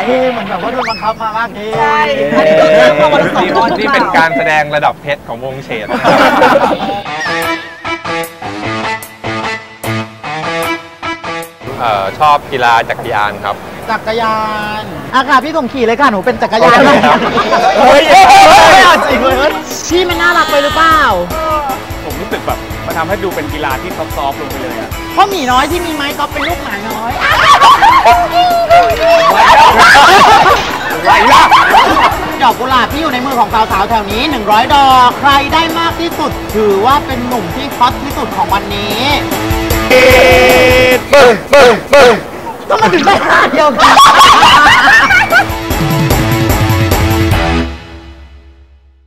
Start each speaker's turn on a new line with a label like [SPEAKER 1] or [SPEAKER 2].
[SPEAKER 1] เหมือนแบบว่าโดนบังคับมามากนี่
[SPEAKER 2] ใช่อันนี้โดนเลือกมาวันละ200
[SPEAKER 3] นี่เป็นการแสดงระดับเพชรของวงเฉดชอบกีฬาจักรยานครับ
[SPEAKER 1] จักรยานอากาศพี่ส่งขี่เลยค่ะหนูเป็นจักรยาน
[SPEAKER 3] เฮ้ย
[SPEAKER 1] จริงเลยพี่มันน่ารักไปหรือเปล่า
[SPEAKER 3] ผมรู้สึกแบบมันทำให้ดูเป็นกีฬาที่ซอฟต์ลงไปเลยอะ
[SPEAKER 1] เพราะหมีน้อยที่มีไม้ก็เป็นลูกหมาน้อย
[SPEAKER 3] ไหวล่ะ
[SPEAKER 1] ดอกกุหลาบที่อยู่ในมือของสาวๆแถวนี้100 ดอกใครได้มากที่สุดถือว่าเป็นหนุ่มที่ฮอตที่สุดของวันนี้ก็มาถึงได้5 เดียวกัน